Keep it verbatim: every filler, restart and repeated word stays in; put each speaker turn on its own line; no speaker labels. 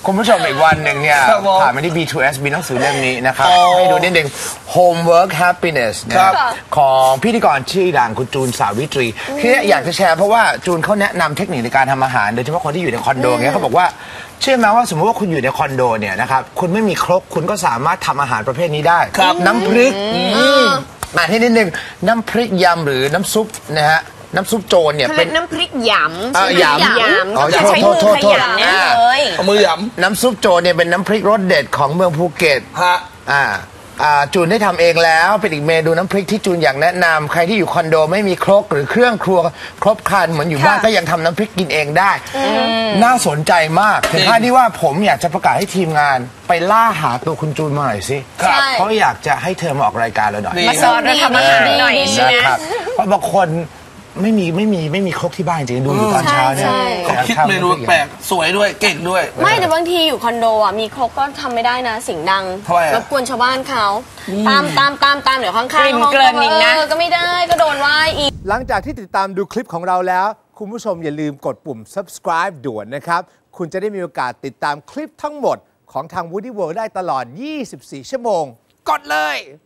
คุณผู้ชมอีกวันหนึ่งเนี่ยผ่านมาที่ บี ทู เอส มีหนังสือเล่มนี้นะครับให้ดูนิดนึง Homework Happiness นะของพิธีกรชื่อดังคุณจูนสาวิตรีที่อยากจะแชร์เพราะว่าจูนเขาแนะนำเทคนิคในการทำอาหารโดยเฉพาะคนที่อยู่ในคอนโดเงี้ยเขาบอกว่าเชื่อไหมว่าสมมติว่าคุณอยู่ในคอนโดเนี่ยนะครับคุณไม่มีครกคุณก็สามารถทำอาหารประเภทนี้ได้น้ำพริกมาที่นิดนึงน้ำพริกยำหรือน้ำซุปนะฮะน้ำซุปโจรเนี่ย
เป็นน้ำพริกยำ
ยำ
ยำก็จะใช้มือขยำเนี่ยเลย
เอามือยำ
น้ำซุปโจรเนี่ยเป็นน้ำพริกรสเด็ดของเมืองภูเก็ตฮะอ่าจูนได้ทำเองแล้วเป็นอีกเมนูน้ำพริกที่จูนอยากแนะนำใครที่อยู่คอนโดไม่มีครกหรือเครื่องครัวครบครันเหมือนอยู่บ้านก็ยังทำน้ำพริกกินเองได้น่าสนใจมากถึงขั้นที่ว่าผมอยากจะประกาศให้ทีมงานไปล่าหาตัวคุณจูนมาหน่อยสิเพราะอยากจะให้เธอมาออกรายการเราหน่อย
มาสอนเราทำอาหารหน่อยใช่ไหม
เพราะบางคนไม่มีไม่มีไม่มีครกที่บ้านจริงดูอยู่ตอนเช้าเนี่ย
เขาคิดเมนูแปลกสวยด้วยเก่งด้วย
ไม่แต่บางทีอยู่คอนโดอ่ะมีครกก็ทำไม่ได้นะเสียงดังรบกวนชาวบ้านเขาตามตามตามตามเดี๋ยวข้างๆห้องก็ก็ไม่ได้ก็โดนว่าอีก
หลังจากที่ติดตามดูคลิปของเราแล้วคุณผู้ชมอย่าลืมกดปุ่ม subscribe ด่วนนะครับคุณจะได้มีโอกาสติดตามคลิปทั้งหมดของทาง Woody World ได้ตลอดยี่สิบสี่ชั่วโมงกดเลย